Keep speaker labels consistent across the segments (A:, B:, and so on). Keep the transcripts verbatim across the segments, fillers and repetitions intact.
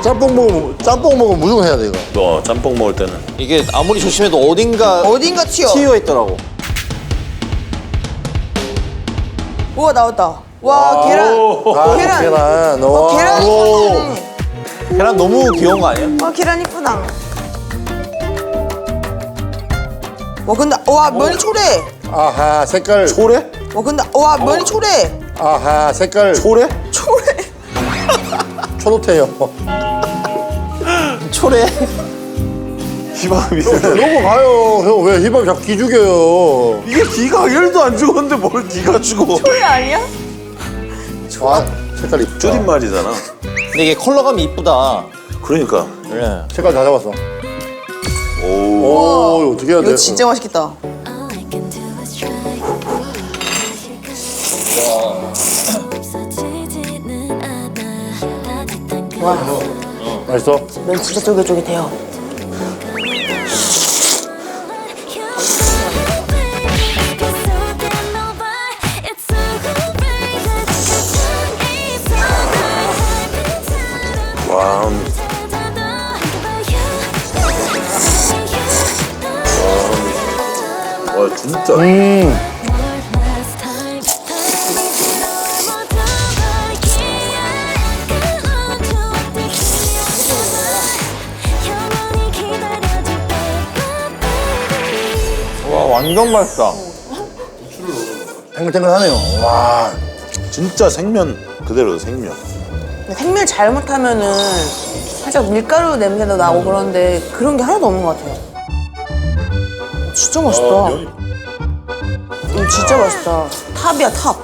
A: 짬뽕 먹으면 짬뽕 먹으면 무조건 해야 돼 이거.
B: 너 짬뽕 먹을 때는
C: 이게 아무리 조심해도 어딘가
D: 어딘가 튀어.
C: 튀어 있더라고.
D: 우와 나왔다. 와 계란.
A: 아,
D: 계란.
A: 계란.
D: 어,
A: 와.
D: 계란이
A: 오.
D: 예쁘네.
C: 계란 너무 귀여운 거 아니야?
D: 와 계란 이쁘다. 와 근데 와 면이 초래.
A: 아하 색깔.
C: 초래?
D: 와 근데 와 면이 초래.
A: 아하 색깔.
C: 초래?
D: 초래.
A: 초록해요.
C: 초래?
B: 희망이
A: 넘어가요. 형 왜 힙합 자꾸 기죽여요.
B: 이게 기가 일도 안 죽었는데 뭘 기가 죽어.
D: 초래 아니야?
A: 아 색깔 이쁘다.
B: 줄임말이잖아.
C: 근데 이게 컬러감이 이쁘다.
B: 그러니까.
C: 그래.
A: 색깔 다 잡았어.
B: 오.
A: 오 이거 어떻게 해야 돼?
D: 이거 진짜 맛있겠다. 와,
A: 맛있어?
D: 면 진짜 쫄깃쫄깃해요.
B: 와. 와 진짜.
A: 음.
C: 와 완전 맛있다.
A: 탱글탱글하네요. 와.
B: 진짜 생면 그대로 생면.
D: 생밀 잘못하면은 살짝 밀가루 냄새도 나고 그런데 그런 게 하나도 없는 것 같아요. 진짜 맛있다. 이거 진짜 맛있다. 탑이야 탑.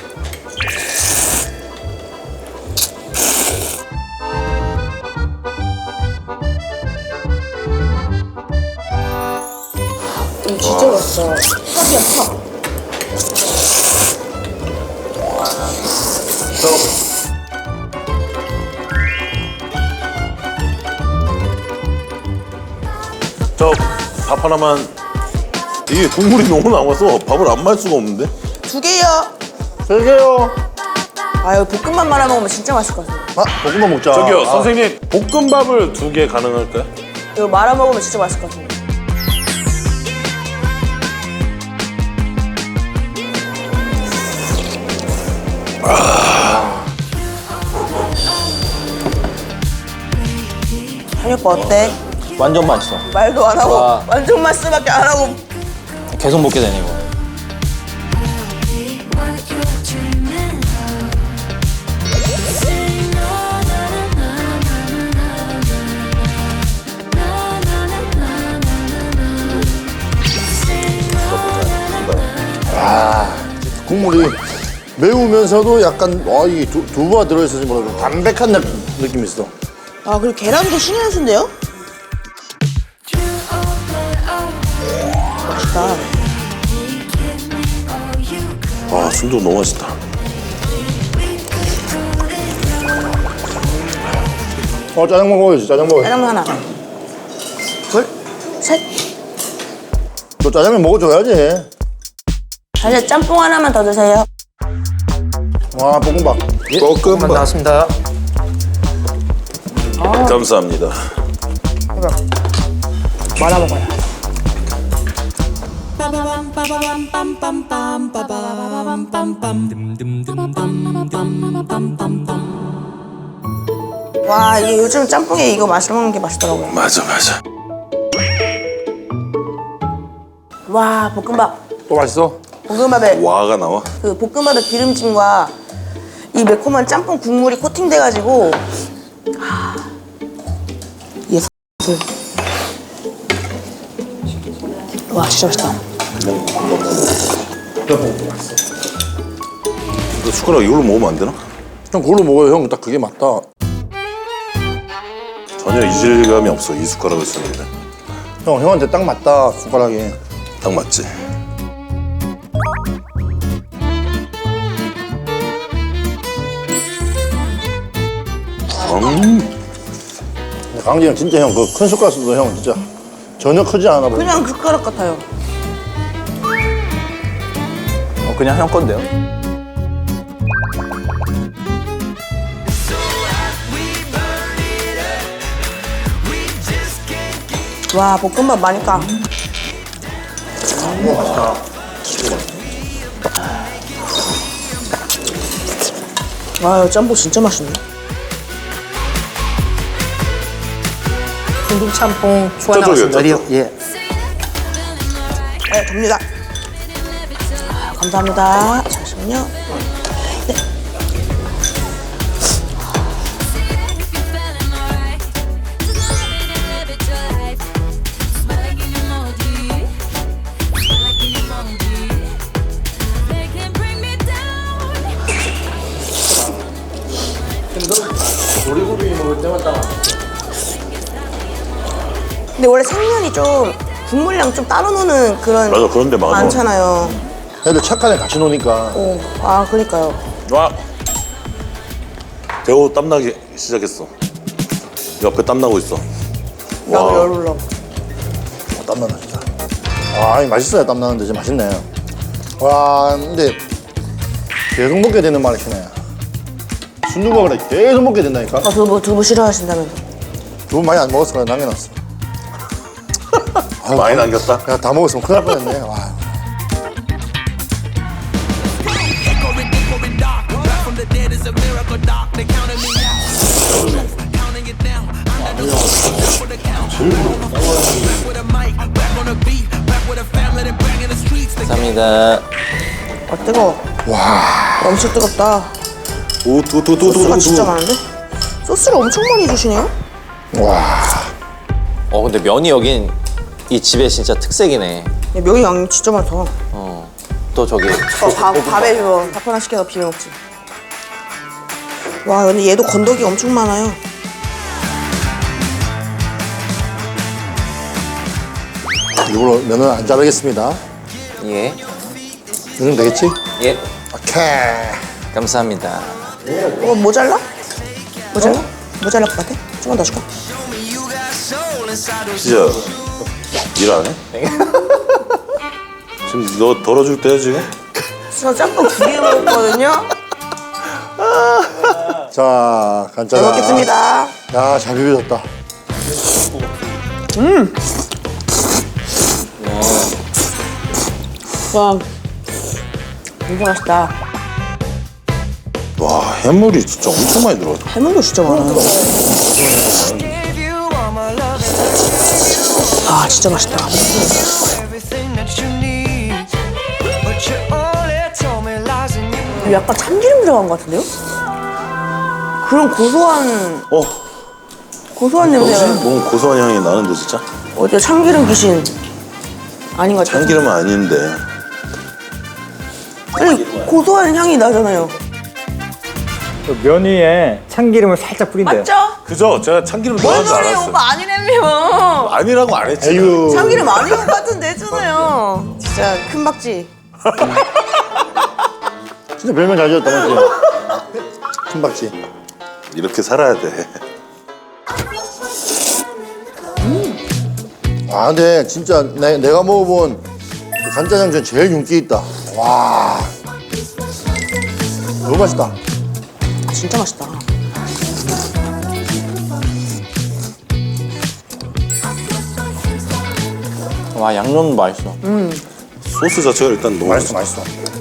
D: 이거 진짜 맛있다. 탑이야 탑.
B: 저 밥 하나만. 이게 국물이 너무 남아서 밥을 안 말 수가 없는데.
D: 두 개요.
A: 세 개요.
D: 아 여기 볶음밥 말아 먹으면 진짜 맛있을 것 같아요.
A: 아 볶음밥 먹자.
B: 저기요
A: 아.
B: 선생님 볶음밥을 두 개 가능할까요?
D: 이거 말아 먹으면 진짜 맛있을 것 같아요. 한이 오빠 어때?
C: 완전 맛있어.
D: 말도 안 하고
C: 와.
D: 완전 맛있어밖에 안 하고.
C: 계속 먹게 되네 이거.
A: 국물이 매우면서도 약간 와 이게 두, 두부가 들어있어서 뭐라 담백한 느- 느낌이 있어.
D: 아 그리고 계란도 신의 한 수인데요? 맛있다.
B: 아 순두 너무 맛있다.
A: 어 짜장면 먹어야지. 짜장 먹어야지.
D: 짜장면 하나. 둘, 셋.
A: 너 짜장면 먹어줘야지.
D: 사실 짬뽕 하나만 더 드세요.
A: 와 볶음밥.
B: 볶음밥
C: 나왔습니다.
B: 감사합니다.
D: 말아 먹어요. 와 이게 요즘 짬뽕에 이거 맛을 먹는 게 맛있더라고요.
B: 맞아 맞아.
D: 와 볶음밥.
A: 또 맛있어?
D: 볶음밥에
B: 와가 나와.
D: 그 볶음밥의 기름짐과 이 매콤한 짬뽕 국물이 코팅돼가지고 아, 예. 와 진짜 맛있다.
B: 너 숟가락 이걸로 먹으면 안 되나?
A: 형 그걸로 먹어요. 형 딱 그게 맞다.
B: 전혀 이질감이 없어 이 숟가락을 쓰는데.
A: 형 형한테 딱 맞다 숟가락이.
B: 딱 맞지. 음.
A: 강진이 형 진짜 형 그 큰 숟가락 써도 형 진짜 전혀 크지 않아 보여.
D: 그냥 숟가락 같아요.
C: 어, 그냥 형 건데요?
D: 와, 볶음밥 많이 까. 와, 이거 짬뽕 진짜 맛있네. 중국 짬뽕 추가
B: 저쪽이요,
D: 나왔습니다.
B: 저쪽.
A: 예.
D: 네, 접니다. 아, 감사합니다. 잠시만요. 네. 근데 원래 생면이 좀 국물량 좀 따로 노는 그런
B: 맞아, 그런 데 많아.
D: 많잖아요.
A: 애들 착하네 같이 노니까.
D: 오, 아 그러니까요.
B: 와. 대호 땀나기 시작했어. 옆에 땀나고 있어.
D: 나도
B: 와.
D: 열 올라.
A: 어, 땀나다 진짜. 아, 이 맛있어요. 땀나는데 진짜 맛있네. 와, 근데 계속 먹게 되는 말을 시네. 순두부가 그래 계속 먹게 된다니까.
D: 아 두부 두부 싫어하신다면서.
A: 두부 많이 안 먹었어. 그래 남겨놨어. 아유,
B: 많이 남겼다.
A: 야, 다 먹었으면 큰일 날 뻔했네. 와.
C: 감사합니다.
D: 아 뜨거워.
A: 와.
D: 엄청 뜨겁다.
B: 오, 두, 두, 두, 두,
D: 소스가
B: 두,
D: 진짜
B: 두.
D: 많은데? 소스를 엄청 많이 주시네요?
A: 와.
C: 어 근데 면이 여긴 이 집의 진짜 특색이네.
D: 야, 면이 양이 진짜 많다.
C: 어. 또 저기
D: 어, 밥, 밥에 저 밥 하나 시켜서 비벼 먹지. 와, 근데 얘도 건더기 엄청 많아요.
A: 일부러 면은 안 자르겠습니다.
C: 예.
A: 이 정도 되겠지?
C: 예.
A: 오케이.
C: 감사합니다.
D: 이거 모자라? 모자라? 모자랄 것 같아? 조금만 더 줄까?
B: 진짜 일 안 해? 지금 너 덜어줄 때야 지금?
D: 저 짬뽕 두 개 먹었거든요?
A: 자,
D: 잘
A: 간짜장.
D: 먹겠습니다.
A: 야, 잘 비벼졌다.
D: 와, 진짜 맛있다.
B: 와, 해물이 진짜 엄청 많이 들어가.
D: 해물도 진짜 많아요. 아, 진짜 맛있다. 약간 참기름 들어간 것 같은데요? 그런 고소한,
B: 어,
D: 고소한
B: 뭐지?
D: 냄새가.
B: 너무 고소한 향이 나는데 진짜?
D: 어디야, 참기름 귀신. 아닌 것 같아요.
B: 참기름은 아닌데.
D: 아니, 고소한 향이 나잖아요.
E: 그 면 위에 참기름을 살짝 뿌린대요.
D: 맞죠?
B: 그죠? 제가 참기름
D: 뭔
B: 넣은 줄
D: 소리예요,
B: 알았어요.
D: 오빠 아니라며.
B: 아니라고 안 했지.
A: 에휴.
D: 참기름 아닌 것 같은데 했잖아요. 진짜 큰 박쥐.
A: 진짜 별명 잘 지었다, 맞지? 큰박지.
B: 이렇게 살아야 돼.
A: 아, 근데 진짜 내, 내가 먹어본 그 간짜장 중에 제일 윤기 있다. 와. 너무 맛있다.
D: 진짜 맛있다.
C: 와 양념 맛있어.
B: 소스 자체가 일단 너무
A: 맛있어, 맛있어.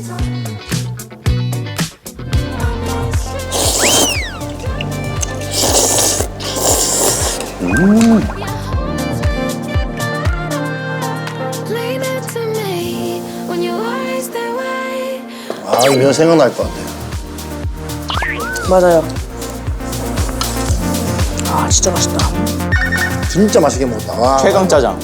A: 아, 이 면 생각날 것 같아.
D: 맞아요. 아, 진짜 맛있다.
A: 진짜 맛있게 먹었다. 와.
C: 최강 짜장.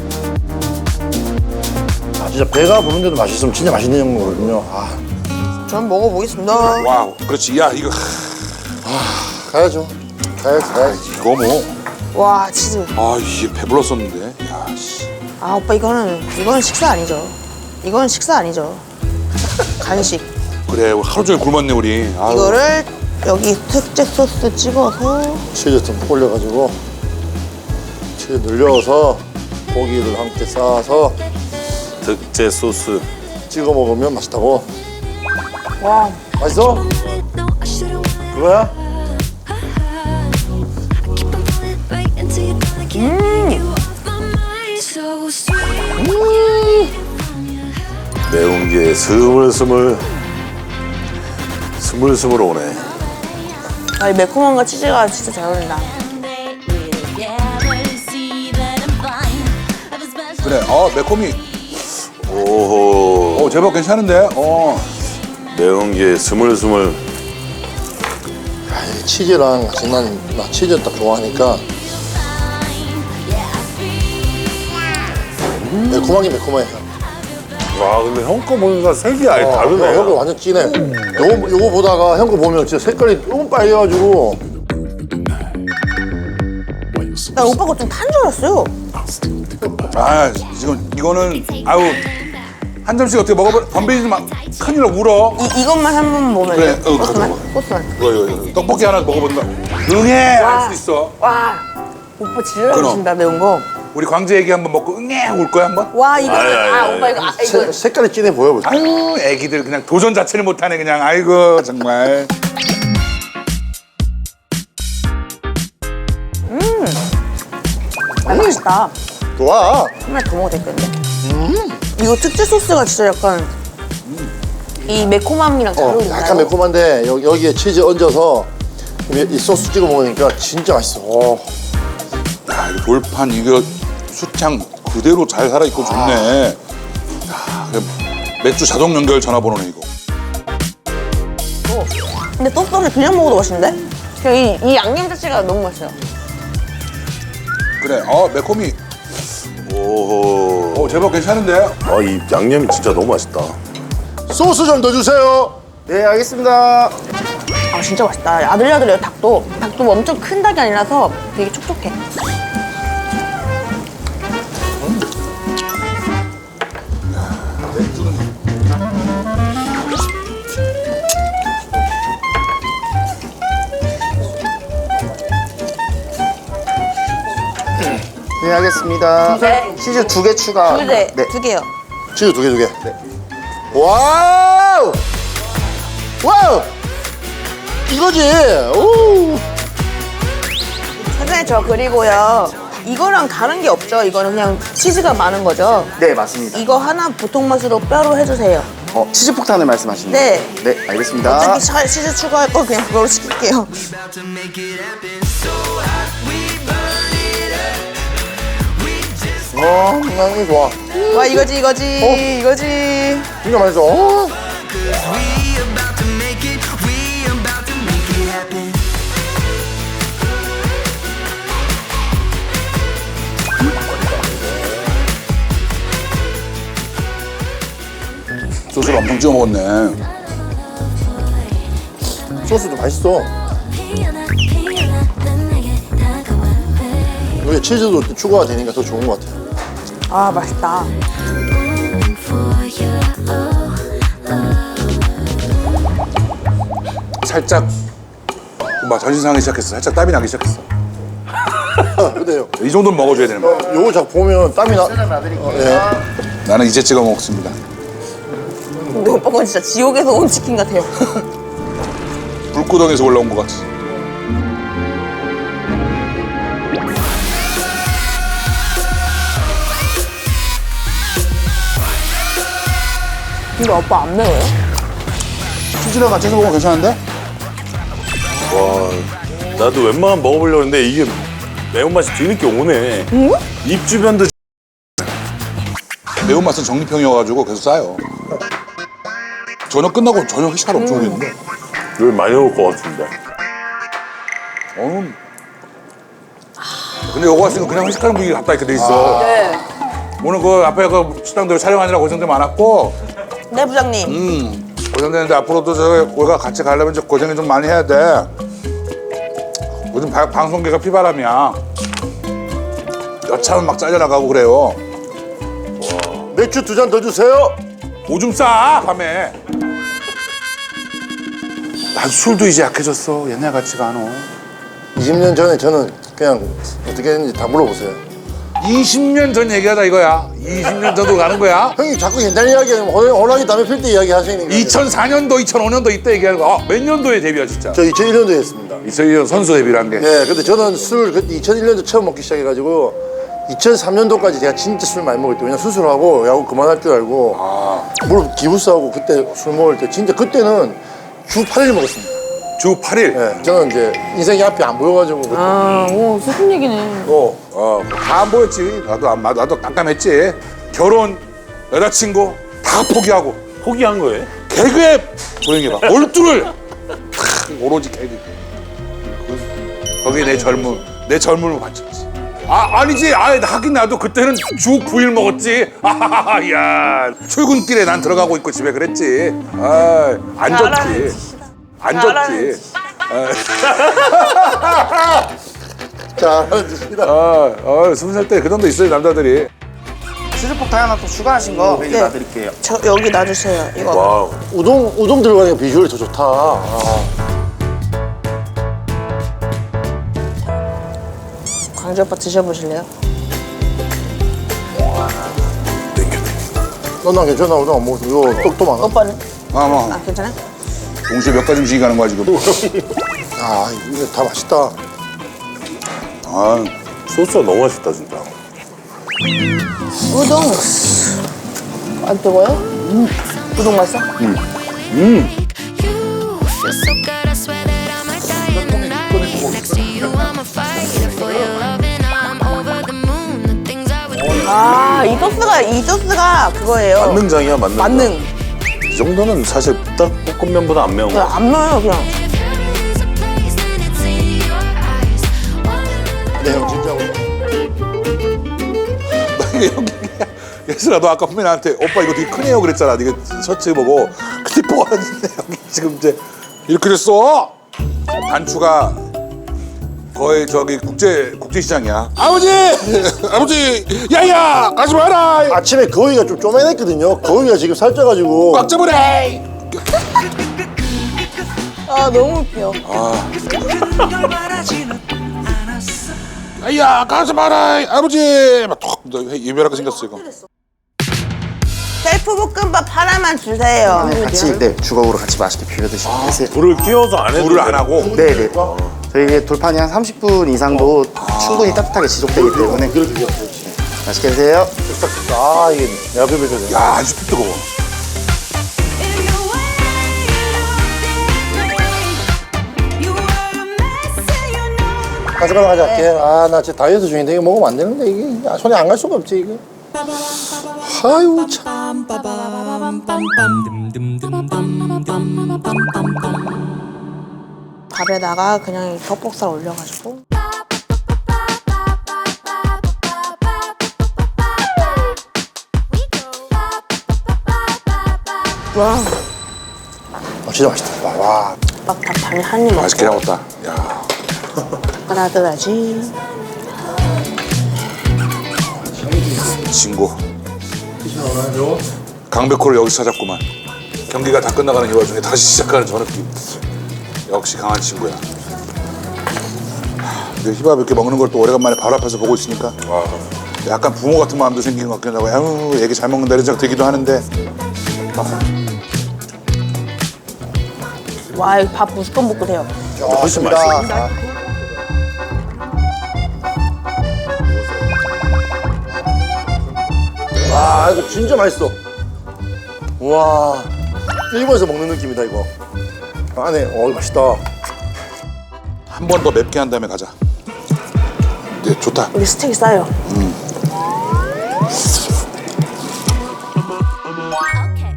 A: 아, 진짜 배가 부른데도 맛있으면 진짜 맛있는 거거든요. 아,
D: 전 먹어보겠습니다.
F: 와우, 그렇지. 야, 이거
A: 가야죠. 가야지, 가야지.
F: 이거 뭐?
D: 와, 치즈.
F: 아, 이게 배불렀었는데. 야, 씨.
D: 아, 오빠 이거는, 이거는 식사 아니죠. 이거는 식사 아니죠. 간식.
F: 그래, 우리 하루 종일 굶었네 우리. 아유.
D: 이거를 여기 특제 소스 찍어서
A: 치즈 좀 올려가지고 치즈 늘려서 고기를 함께 싸서
B: 특제 소스.
A: 찍어 먹으면 맛있다고.
D: 와,
A: 맛있어? 그거야?
B: 이제 스물스물 스물스물 오네.
D: 아, 이 매콤함과 치즈가 진짜 잘 어울린다.
F: 그래. 어 매콤이.
B: 오호.
F: 어 제법 괜찮은데. 어.
B: 매운 게 스물스물.
A: 아, 이 치즈랑 같이 난, 나 치즈 딱 좋아하니까 음. 매콤하게 매콤해.
B: 와 근데 형 거 보니까 색이 아예 다르네.
A: 형 거 완전 진해. 요거, 요거 보다가 형 거 보면 진짜 색깔이 너무 빨개가지고.
D: 나 오빠 거 좀 탄 줄 알았어요.
F: 아 지금 이거는 아우 한 점씩 어떻게 먹어봐. 덤비지 마. 큰일 나 울어.
D: 이, 이것만 한 번 보면
F: 그래, 어,
D: 꽃만?
F: 가져가.
D: 꽃만.
F: 이거 이거 이거. 떡볶이 하나 먹어본다. 응애 할 수 있어.
D: 와, 오빠 진짜 잘하신다, 매운 거.
F: 우리 광주 애기 한번 먹고 응애 울 거야 한번.
D: 와, 이거,
B: 아이, 아이,
D: 아,
B: 아이.
D: 오빠 이거, 아, 이거.
A: 색, 색깔이 진해 보여 벌써.
F: 아유 애기들 그냥 도전 자체를 못하네 그냥. 아이고 정말.
D: 아, 맛있다.
A: 좋아.
D: 하나 더 먹어도 되겠는데? 이거 특제 소스가 진짜 약간 이 매콤함이랑 잘
A: 어,
D: 어울린다.
A: 약간 매콤한데 여, 여기에 치즈 얹어서 이, 이 소스 찍어 먹으니까 진짜 맛있어. 어.
F: 야 이거 돌판 이거 수창 그대로 잘 살아 있고 좋네. 야 그래, 맥주 자동 연결 전화번호네 이거.
D: 어. 근데 떡볶이 그냥 먹어도 맛있는데? 그냥 이, 이 양념 자체가 너무 맛있어요.
F: 그래. 어 매콤이.
B: 오호.
F: 어 제법 괜찮은데.
B: 아 이 양념이 진짜 너무 맛있다.
A: 소스 좀 더 주세요. 네, 알겠습니다.
D: 아, 진짜 맛있다. 아들야들해요, 닭도. 닭도 엄청 큰 닭이 아니라서 되게 촉촉해.
A: 네, 알겠습니다.
D: 네.
A: 치즈 두 개 추가.
D: 두 개,
A: 네.
D: 두 개요.
A: 치즈 두 개, 두 개. 네. 와우! 와우! 이거지. 오!
D: 사장님, 저 그리고요. 이거랑 다른 게 없죠? 이거는 그냥 치즈가 많은 거죠?
G: 네, 맞습니다.
D: 이거 하나 보통 맛으로 뼈로 해주세요.
G: 어, 치즈 폭탄을 말씀하시는
D: 네.
G: 거예요? 네, 알겠습니다.
D: 어차피 차- 치즈 추가할 거 그냥 그걸로 시킬게요.
A: 어, 향이 좋아.
D: 와, 이거지, 이거지, 이거지.
A: 진짜 맛있어. 어.
F: 소스를 엄청 찍어 먹었네.
A: 소스도 맛있어. 여기 치즈도 또 추가가 되니까 더 좋은 것 같아.
D: 아, 맛있다.
F: 살짝 막 전신 상하기 시작했어. 살짝 땀이 나기 시작했어.
A: 근데요.
F: 이 정도는 먹어줘야 되는 거야.
A: 요거 자꾸 보면 땀이 나. 어, 예.
F: 나는 이제 찍어 먹습니다.
D: 근데 오빠 건 진짜 지옥에서 온 치킨 같아요.
F: 불구덩에서 올라온 것 같아.
D: 근데 오빠 안 매워요?
F: 치즈랑 같이 해서 먹으면 괜찮은데?
B: 와 나도 웬만하면 먹어보려고 했는데 이게 매운맛이 뒤늦게 오네. 입 주변도
F: 매운맛은 정리평이어가지고 계속 쌓여. 저녁 끝나고 저녁 회식하러 엄청 오겠는데.
B: 여기 많이 올 것 같은데.
F: 어. 근데 여기 왔으니까 그냥 회식하는 분위기 같다 이렇게 돼 있어.
D: 네.
F: 오늘 그 앞에 그 식당들 촬영하느라 고생들 많았고,
D: 네, 부장님.
F: 음, 고생되는데 앞으로도 저 우리가 같이 가려면 좀 고생을 좀 많이 해야 돼. 요즘 바- 방송계가 피바람이야. 여차하면 막 잘려나가고 그래요.
A: 맥주 두 잔 더 주세요.
F: 오줌 싸 밤에. 난 술도 이제 약해졌어. 옛날 같지가 않아.
A: 이십 년 전에 저는 그냥 어떻게 했는지 다 물어보세요.
F: 이십 년 전 얘기하자 이거야. 이십 년 전으로 가는 거야.
A: 형이 자꾸 옛날 이야기하면 호랑이 담배 필 때 이야기 하시니까.
F: 이천사 년도, 이천오 년도 이때 얘기하는 거. 아, 몇 년도에 데뷔야 진짜?
A: 저 이천일 년도에 했습니다.
F: 이천일 년 선수 데뷔를 한 게.
A: 네, 근데 저는 술 그때 이천일 년도 처음 먹기 시작해가지고 이천삼 년도까지 제가 진짜 술 많이 먹을 때 왜냐 수술하고 야구 그만할 줄 알고
F: 아,
A: 무릎 기부스하고 그때 술 먹을 때 진짜 그때는 주 팔 일 먹었습니다.
F: 주 팔 일.
A: 네, 저는 이제 인생이 앞이 안 보여가지고 그때
D: 아, 오, 슬픈 얘기네.
F: 어, 어, 다 안 보였지. 나도 안, 나도 깜깜했지. 결혼, 여자친구 다 포기하고
B: 포기한 거예요?
F: 개그에 조용해봐. 몰두를 탁, 오로지 개그. 거기에 내 젊음, 내 젊음을 바쳤지. 아, 아니지. 아, 하긴 나도 그때는 주 구 일 먹었지. 아, 야, 출근길에 난 들어가고 있고 집에 그랬지. 아, 안 좋지. 안 좋지.
A: 잘하셨습니다.
F: 아, 아, 스무 살 때 그 정도 있어요 남자들이.
G: 치즈폭탄 하나 또 추가하신 거 여기
D: 네.
G: 놔드릴게요.
D: 저 여기 놔주세요. 이거.
B: 와우.
A: 우동 우동 들어가니까 비주얼이 더 좋다. 아.
D: 광주 오빠 드셔보실래요?
A: 넌난 괜찮아. 우동 안 먹었어. 이거 떡도 많아.
D: 오빠는?
F: 아, 뭐
D: 아, 괜찮아?
F: 동시에 몇 가지 음식이 가는 거야 지금.
A: 아 이거 다 맛있다.
F: 아,
B: 소스가 너무 맛있다 진짜.
D: 우동. 안 뜨거워요? 음. 우동 맛있어?
H: You're so good, I swear that I might die in the night. Next to you, I'm a fighter for your love, and I'm over the moon. The things I would do.
D: 아, 이 소스가, 이 소스가 그거예요.
B: 만능장이야 만능.
D: 만능.
B: 이 정도는 사실 딱 볶음면보다 안 매운
D: 그냥
B: 거.
D: 안 넣어요, 그냥.
H: If heaven is a place, then it's in your eyes. Wanna
A: 네 형 진짜.
F: 여기 예슬아 너 아까 분명히 나한테 오빠 이거 되게 크네요 그랬잖아. 네가 셔츠 보고 근데 뻔한데 여기 지금 이제 이렇게 됐어. 단추가 거의 저기 국제 국제 시장이야. 아버지 아버지 야야 가지 마라.
A: 아침에 거위가 좀 쪼매냈거든요. 거위가 지금 살쪄가지고.
F: 꽉 잡으래.
D: 아, 너무 웃겨.
F: 야야 가지 마라 아버지. 막톡 이별하게 생겼어 이거.
D: 셀프 볶음밥 하나만 주세요.
G: 네, 같이 네, 주걱으로 같이 맛있게 비벼 드시면 되세요.
B: 불을 끼워서 안 해도
F: 물을 안 하고.
G: 네, 네. 저희 돌판이 한 삼십 분 이상도 충분히 따뜻하게 지속되기 때문에 네, 맛있게 드세요.
A: 아 이게 내가 비벼줘야 돼.
F: 야 아주 뜨거워.
H: if you're waiting, you are a mess, and you know.
A: 가져가라 가져갈게. 아 나 진짜 다이어트 중인데 이거 먹으면 안 되는데 이게 아, 손이 안 갈 수가 없지 이게. 아유 참.
D: 밥에다가 그냥 덕복살 올려가지고. 와,
A: 아, 진짜 맛있다. 와. 와.
D: 막 밥 반이 한입 먹고.
F: 맛있게 나왔다. 야.
D: 따라들어야지.
F: 친구. 강백호를 여기서 찾았구만. 경기가 다 끝나가는 이 와중에 다시 시작하는 저 느낌. 역시 강한 친구야. 하, 근데 힙합 이렇게 먹는 걸 또 오래간만에 바로 앞에서 보고 있으니까 약간 부모 같은 마음도 생긴 것 같긴 하고 아유 얘기 잘 먹는다 이런 생각 들기도 하는데
D: 와, 이거 밥 무조건 먹고 돼요.
B: 훨씬 맛있어.
A: 아. 와 이거 진짜 맛있어. 와 일본에서 먹는 느낌이다 이거. 안에 어 이거 맛있다.
F: 한 번 더 맵게 한 다음에 가자. 네 좋다.
D: 우리 스테이크 싸요.
H: Okay.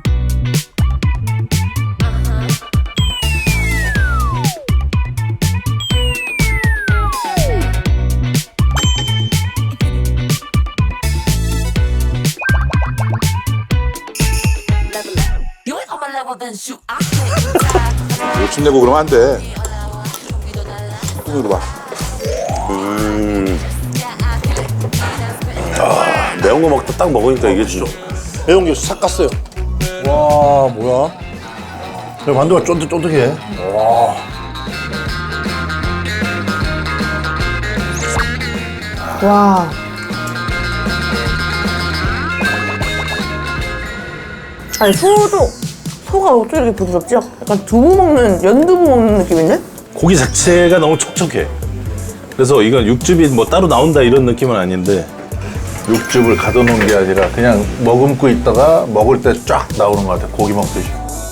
H: You ain't on my level, then shoot. I can't.
F: 욕심내고 그러면 안 돼. 이거 봐.
B: 매운 거 먹다 딱 먹으니까 이게 진짜.
A: 매운 게 싹 갔어요. 와 뭐야? 야, 만두가 쫀득쫀득해.
D: 와. 아니, 소도, 소가 어떻게 이렇게 부드럽지? 약간 두부 먹는, 연두부 먹는 느낌인데?
B: 고기 자체가 너무 촉촉해. 그래서 이건 육즙이 뭐 따로 나온다 이런 느낌은 아닌데 육즙을 가둬놓은 게 아니라 그냥 머금고 있다가 먹을 때 쫙 나오는 것 같아. 고기 먹듯이.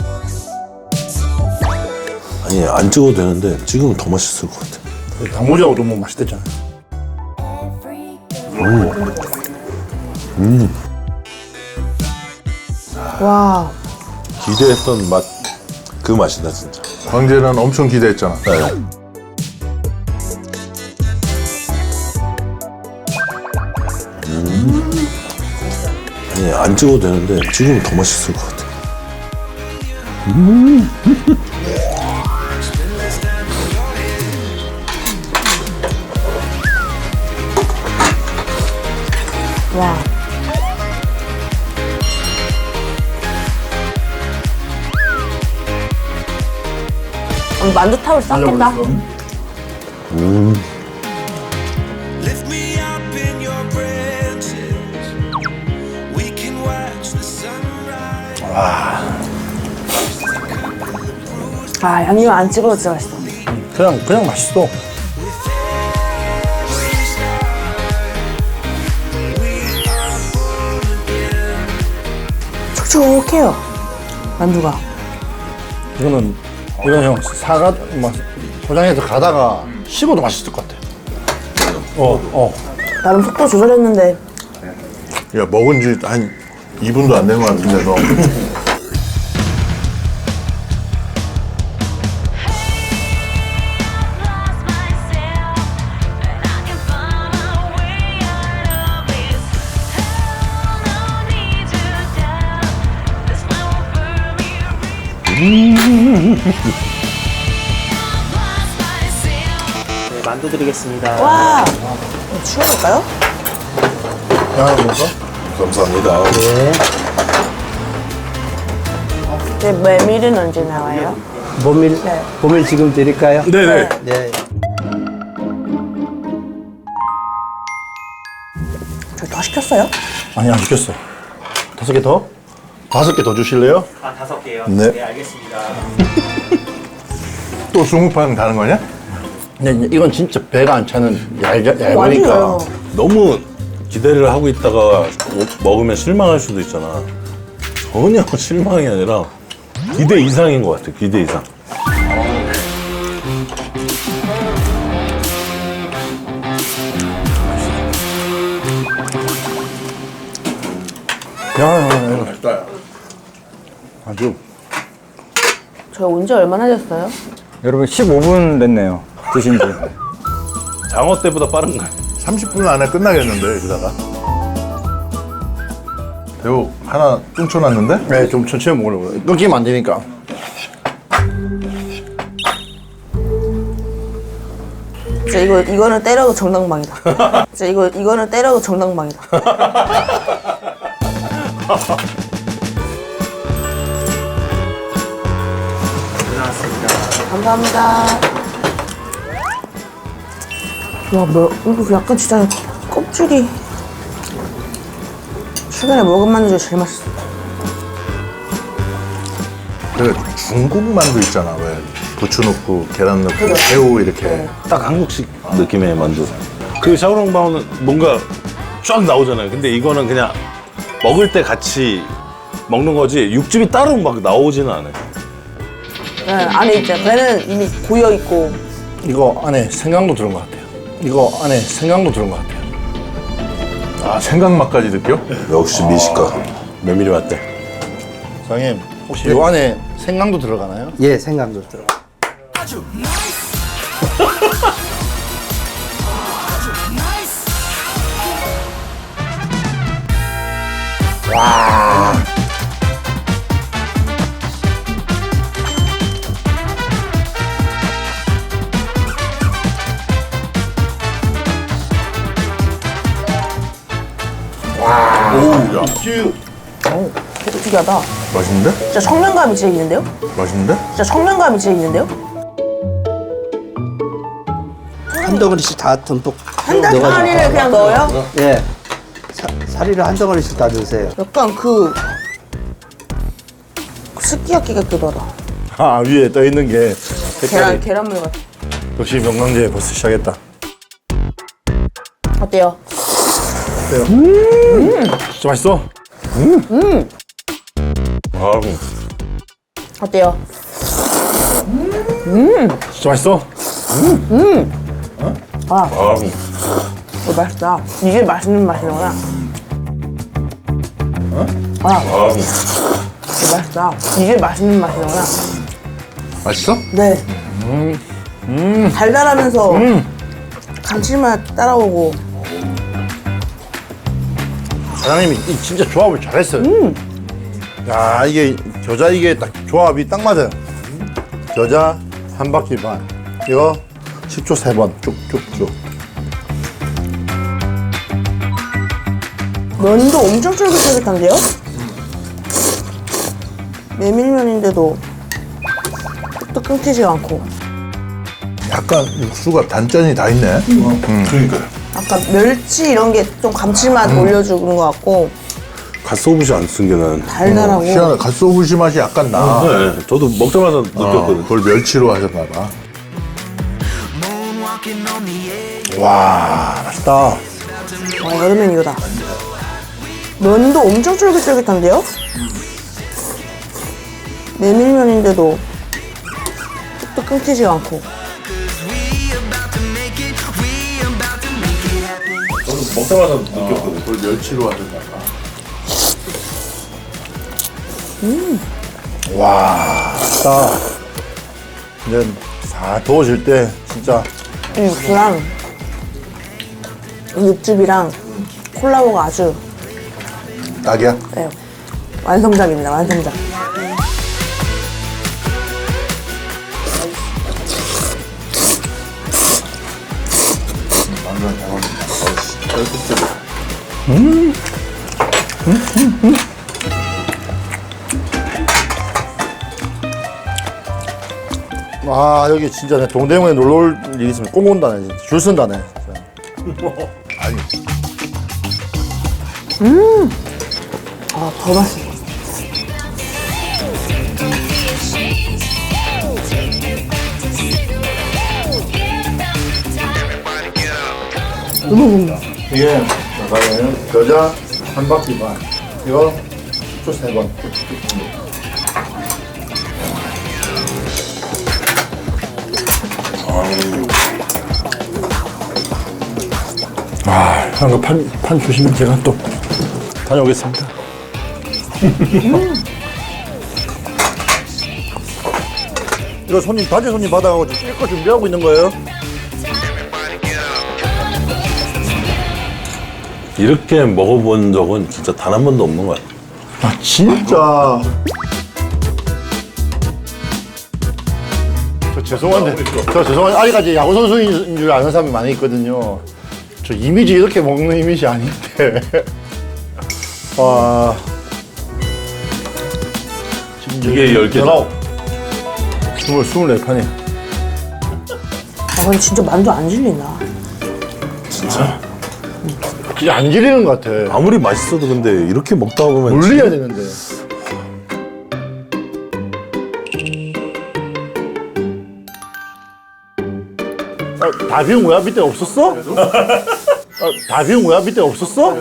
I: 아니 안 찍어도 되는데 지금은 더 맛있을 것 같아.
A: 단무지하고도 뭐 맛있댔잖아.
D: 와.
I: 기대했던 맛 그 맛이다 진짜.
B: 광재는 엄청 기대했잖아.
I: 네. 아니 안 찍어도 되는데 지금은 더 맛있을 것 같아.
D: 와. 음, 만두탑을 쌌겠다.
J: Lift me up in your branches. We can watch the sunrise.
D: 아, 양념 안 찍어도 진짜 맛있어.
A: 그냥 그냥 맛있어.
D: 촉촉해요. 만두가.
A: 이거는 이건 형 사가 뭐 포장해서 가다가 씹어도 맛있을 것 같아. 어 어.
D: 나름 속도 조절했는데
B: 야, 먹은 지 한 이 분도 안 된 것 같은데, 너.
K: 네, 만두 드리겠습니다.
D: 와. 추워볼까요?
A: 야 뭔가?
I: 감사합니다.
D: 네, 메밀은 언제 나와요?
K: 모밀, 모밀 지금 드릴까요?
B: 네네.
K: 네.
D: 저 더 시켰어요?
A: 아니 안 시켰어. 다섯 개 더? 다섯 개 더 주실래요?
K: 아, 다섯 개요?
A: 네.
K: 네, 알겠습니다.
B: 또 스무 판 가는 거냐?
A: 근데 이건 진짜 배가 안 차는 얇, 얇으니까.
D: 완전해요.
I: 너무 기대를 하고 있다가 못- 먹으면 실망할 수도 있잖아. 전혀 실망이 아니라 기대 이상인 것 같아. 기대 이상.
A: 야야야 맛있다. 아주.
D: 저 온 지 얼마나 됐어요?
E: 여러분 십오 분 됐네요. 드신 지.
I: 장어 때보다 빠른 거야.
B: 삼십 분 안에 끝나겠는데, 여기다가. 배우 하나 뚱쳐놨는데?
A: 네, 좀 천천히 먹으려고. 끊기면 안 되니까.
D: 진짜 이거 이거는 때려도 정당방이다. 진짜 이거 이거는 때려도 정당방이다. 감사합니다. 와, 뭐 이거 약간 진짜 껍질이 최근에 먹은 만두 중에 제일 맛있어.
B: 그 중국 만두 있잖아, 왜. 부추 넣고, 계란 넣고, 새우 이렇게.
I: 딱 한국식 느낌의 만두. 그 샤오롱바오는 뭔가 쫙 나오잖아요. 근데 이거는 그냥 먹을 때 같이 먹는 거지 육즙이 따로 막 나오지는 않아요.
D: 네, 안에 있죠. 배는 이미 고여 있고.
A: 이거 안에 생강도 들은 것 같아요. 이거 안에 생강도 들은 것 같아요.
B: 아, 생강맛까지 느껴?
I: 역시 미식가. 메밀이 맞대.
A: 사장님, 혹시 요 안에 생강도 들어가나요?
K: 예, 생강도 들어가.
D: 어우, 되게 특이하다.
B: 맛있는데?
D: 진짜 청량감이 진짜 있는데요?
B: 맛있는데?
D: 진짜 청량감이 진짜 있는데요?
K: 한 덩어리씩 다 듬뿍
D: 한 덩어리를 그냥 넣어요?
K: 예. 사, 사리를 한 덩어리씩 다 넣으세요.
D: 약간 그, 그 스키야키 같기도 하다.
A: 아, 위에 떠 있는 게
D: 계란,
A: 색깔이.
D: 계란물 같아.
A: 역시 명강제 벌써 시작했다.
D: 어때요?
A: 진짜 맛있어.
I: 아,
D: 어때요?
A: 진짜 맛있어.
D: 아,
I: 아,
D: 이거 맛있다. 이게 맛있는 맛이구나. 아,
I: 아.
D: 이거 맛있다. 이게 맛있는 맛이구나.
F: 맛있어?
D: 네. 음. 달달하면서 감칠맛 따라오고.
A: 사장님이 이 진짜 조합을 잘했어요. 야, 이게 겨자 이게 딱 조합이 딱 맞아요. 겨자 한 바퀴 반. 이거 식초 세 번 쭉쭉쭉.
D: 면도 엄청 쫄깃쫄깃한데요? 메밀면인데도 또 끊기지 않고.
F: 약간 육수가 단짠이 다 있네.
I: 그러니까요.
D: 아까 멸치 이런 게 좀 감칠맛 올려주는 것 같고
I: 갓소부시 안 쓴 게 나는.
D: 달달하고.
F: 희한해. 갓소부시 맛이 약간 나.
I: 네, 저도 먹자마자 느꼈거든.
F: 그걸 멸치로 하셨나 봐.
A: 와, 맛있다.
D: 와, 여름엔 이거다. 면도 엄청 쫄깃쫄깃한데요? 메밀면인데도 또 끊기지 않고.
I: 저도 먹자마자 느꼈거든.
F: 그걸 멸치로 하셨나 봐.
A: 와, 맛있다. 근데 다 더워질 때 진짜
D: 이 육수랑 이 육즙이랑 콜라보가 아주
F: 딱이야?
D: 네, 완성작입니다. 완성작.
A: 아, 여기 진짜 내 동대문에 놀러 올 일이 있으면 꼭 온다네. 진짜. 줄 쓴다네. 진짜.
F: 아니.
D: 아, 더 맛있어.
A: 이게 잠깐만요. 겨자 한 바퀴 반. 이거 식초 세 번. 아, 한거 판, 판 주시면 제가 또 다녀오겠습니다. 이거 손님, 다재 손님 받아가고 찔 거 준비하고 있는 거예요?
I: 이렇게 먹어본 적은 진짜 단 한 번도 없는 거야.
A: 아, 진짜. 저 죄송한데, 저 죄송한데, 아직까지 야구선수인 줄 아는 사람이 많이 있거든요. 저 이미지 이렇게 먹는 이미지 아닌데. 와.
I: 이게 열 개죠?
A: 열아홉. 스물, 스물네 판이.
D: 아, 근데 진짜 만두 안 질린다.
A: 진짜 안 질리는 것 같아.
I: 아무리 맛있어도 근데 이렇게 먹다 보면
A: 물려야 되는데. 아, 다 비운 거야? 밑에 없었어? 아, 다 비운 거야? 밑에 없었어?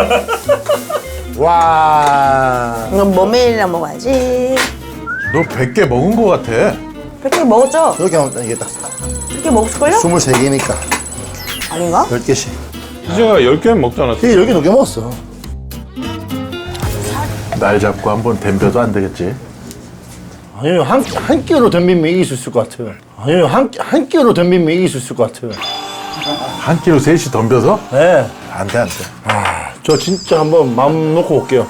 A: 와.
D: 이건 머메일이랑 먹어야지.
F: 너 백 개 먹은 거 같아.
D: 백 개 먹었죠?
A: 이렇게 하면 이게 딱
D: 백 개 먹었을걸요?
A: 스물세 개니까
D: 아닌가?
A: 열 개씩.
I: 희재가 열 개 먹지 않았어?
A: 이게 열 개 넘게 먹었어.
F: 날 잡고 한번 덤벼도 안 되겠지?
A: 아니, 한, 한 끼로 덤비면 이길 수 있을 것 같아. 아니, 한, 한 끼로 덤비면 이길 수 있을 것 같아.
F: 한 끼로 셋이 덤벼서?
A: 네.
F: 안 돼, 안 돼.
A: 아, 저 진짜 한번 마음 놓고 올게요.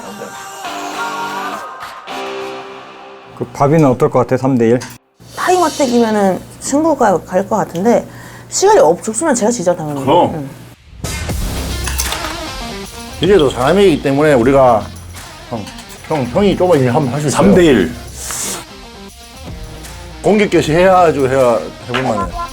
E: 그 밥이는 어떨 것 같아? 삼 대 일?
D: 타이머택이면은 승부가 갈 것 같은데 시간이 없으면 제가 지죠 당연히.
A: 그럼.
D: 응.
A: 이제도 사람이기 때문에 우리가 형, 형, 형이 조금 일 한번 할 수 있어요.
I: 삼 대 일.
A: 공격 개시 해야죠, 해야 해볼 만해.